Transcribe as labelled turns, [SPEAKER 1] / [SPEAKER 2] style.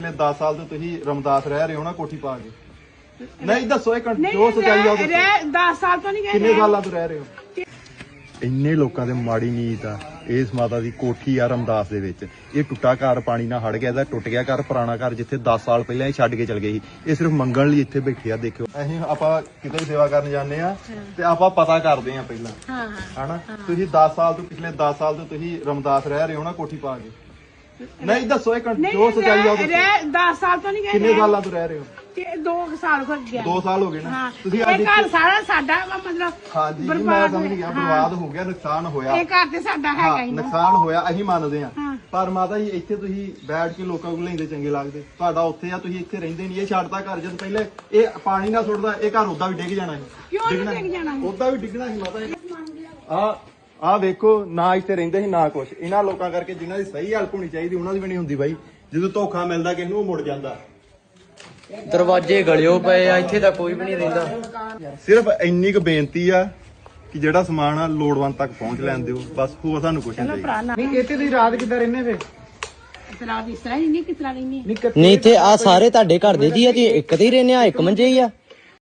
[SPEAKER 1] 10 ਸਾਲ ਤੋਂ ਤੁਸੀਂ ਰਮਦਾਸ ਰਹਿ ਰਹੇ ਹੋ ਨਾ ਕੋਠੀ ਪਾ ਕੇ। ਨਹੀਂ ਦੱਸੋ ਇਹ ਜੋ ਸਚਾਈ ਆ ਉਹ ਦੱਸੋ।
[SPEAKER 2] 10 ਸਾਲ ਤੋਂ ਨਹੀਂ ਗਏ।
[SPEAKER 1] ਕਿੰਨੇ ਸਾਲਾਂ ਤੋਂ ਰਹਿ ਰਹੇ ਹੋ? ਇੰਨੇ ਲੋਕਾਂ ਦੇ ਮਾੜੀ ਨੀਤ ਆ। ਇਸ ਮਾਤਾ ਦੀ ਕੋਠੀ ਆ ਰਮਦਾਸ ਦੇ ਵਿੱਚ। ਇਹ ਟੁੱਟਾ ਘਰ ਪਾਣੀ ਨਾਲ ਹੜ ਗਿਆ, ਇਹਦਾ ਟੁੱਟ ਗਿਆ ਘਰ, ਪੁਰਾਣਾ ਘਰ ਜਿੱਥੇ 10 ਸਾਲ ਪਹਿਲਾਂ ਇਹ ਛੱਡ ਕੇ ਚਲ ਗਏ ਸੀ। ਇਹ ਸਿਰਫ ਮੰਗਣ ਲਈ ਇੱਥੇ ਬੈਠੇ ਆ। ਦੇਖਿਓ ਅਸੀਂ ਆਪਾਂ ਕਿਤੇ ਵੀ ਸੇਵਾ ਕਰਨ ਜਾਂਦੇ ਆ ਤੇ ਆਪਾਂ ਪਤਾ ਕਰਦੇ ਆ ਪਹਿਲਾਂ ਹਨਾ। ਤੁਸੀਂ 10 ਸਾਲ ਤੋਂ ਪਿਛਲੇ 10 ਸਾਲ ਤੋਂ ਤੁਸੀਂ ਰਮਦਾਸ ਰਹਿ ਰਹੇ ਹੋ ਨਾ ਕੋਠੀ ਪਾ ਕੇ। ਨਹੀਂ ਦੱਸੋ ਇਹ ਜੋ ਸਚਾਈ ਆ ਉਹ ਦੱਸੋ।
[SPEAKER 2] 10 ਸਾਲ ਤੋਂ ਨਹੀਂ ਗਏ।
[SPEAKER 1] ਕਿੰਨੇ ਸਾਲਾਂ ਤੋਂ ਰਹਿ ਰਹੇ ਹੋ?
[SPEAKER 2] 2 ਸਾਲ ਹੋ ਗਏ।
[SPEAKER 1] 2 ਸਾਲ ਹੋ ਗਏ ਨਾ।
[SPEAKER 2] ਤੁਸੀਂ ਇਹ ਘਰ ਸਾਰਾ ਸਾਡਾ ਵਾ, ਮਤਲਬ
[SPEAKER 1] ਹਾਂਜੀ ਮੈਂ ਸਮਝ ਗਿਆ। ਬਰਬਾਦ ਹੋ ਗਿਆ, ਨੁਕਸਾਨ ਹੋਇਆ।
[SPEAKER 2] ਇਹ ਘਰ ਤੇ ਸਾਡਾ ਹੈਗਾ ਹੀ ਨਾ।
[SPEAKER 1] ਨੁਕਸਾਨ ਹੋਇਆ ਅਸੀਂ ਮੰਨਦੇ ਆ, ਪਰ ਮਾਤਾ ਜੀ ਇੱਥੇ ਤੁਸੀਂ ਬੈਠ ਕੇ ਲੋਕਾਂ ਕੋਲ ਲੈਂਦੇ ਚੰਗੇ ਲੱਗਦੇ। ਤੁਹਾਡਾ ਉੱਥੇ ਆ, ਤੁਸੀਂ ਇੱਥੇ ਰਹਿੰਦੇ ਨਹੀਂ। ਇਹ ਛੱਡਦਾ ਘਰ ਜਦ ਪਹਿਲੇ ਇਹ ਪਾਣੀ ਨਾਲ ਸੁੱਟਦਾ, ਇਹ ਘਰ ਉਦਾਂ ਵੀ ਡਿੱਗ ਜਾਣਾ ਸੀ।
[SPEAKER 2] ਕਿਉਂ ਨਹੀਂ ਡਿੱਗ ਜਾਣਾ?
[SPEAKER 1] ਉਦਾਂ ਵੀ ਡਿੱਗਣਾ ਸੀ ਮਾਤਾ ਜੀ। ਆ ਵੇਖੋ ਨਾ ਇੱਥੇ ਰਹਿੰਦੇ ਸੀ ਨਾ ਕੁਛ। ਇਹਨਾਂ ਲੋਕਾਂ ਕਰਕੇ ਜਿਨ੍ਹਾਂ ਦੀ ਸਹੀ ਹੈਲਪ ਹੋਣੀ ਚਾਹੀਦੀ ਉਹਨਾਂ ਦੀ ਵੀ ਨਹੀਂ ਹੁੰਦੀ ਬਾਈ। ਜਦੋਂ ਧੋਖਾ ਮਿਲਦਾ ਕਿਸੇ ਨੂੰ ਉਹ ਮੁੜ ਜਾਂਦਾ।
[SPEAKER 3] ਦਰਵਾਜ਼ੇ ਗਲਿਓ ਪਏ ਆ, ਇੱਥੇ ਤਾਂ ਕੋਈ ਵੀ ਨਹੀਂ ਰਹਿੰਦਾ।
[SPEAKER 1] ਸਿਰਫ ਇੰਨੀ ਕੁ ਬੇਨਤੀ ਆ ਕਿ ਜਿਹੜਾ ਸਮਾਨ ਆ ਲੋੜਵੰਦ ਤੱਕ ਪਹੁੰਚ ਲੈਣ ਦਿਓ, ਬਸ ਹੋਰ ਸਾਨੂੰ ਕੁਛ ਨਹੀਂ ਚਾਹੀਦਾ।
[SPEAKER 4] ਨਹੀਂ ਇੱਥੇ ਤੁਸੀਂ ਰਾਤ ਕਿੱਦਾਂ ਰਹਿੰਦੇ ਫੇ?
[SPEAKER 2] ਇਤਰਾ ਦੀ ਸਹੀ ਨਹੀਂ ਕਿਤਰਾ ਨਹੀਂ।
[SPEAKER 3] ਨਹੀਂ ਇੱਥੇ ਆ ਸਾਰੇ ਤੁਹਾਡੇ ਘਰ ਦੇ ਜੀ ਆ, ਜੀ ਇੱਕ ਤੇ ਹੀ ਰਹਿੰਦੇ ਆ, ਇੱਕ ਮੰਜੇ ਹੀ ਆ।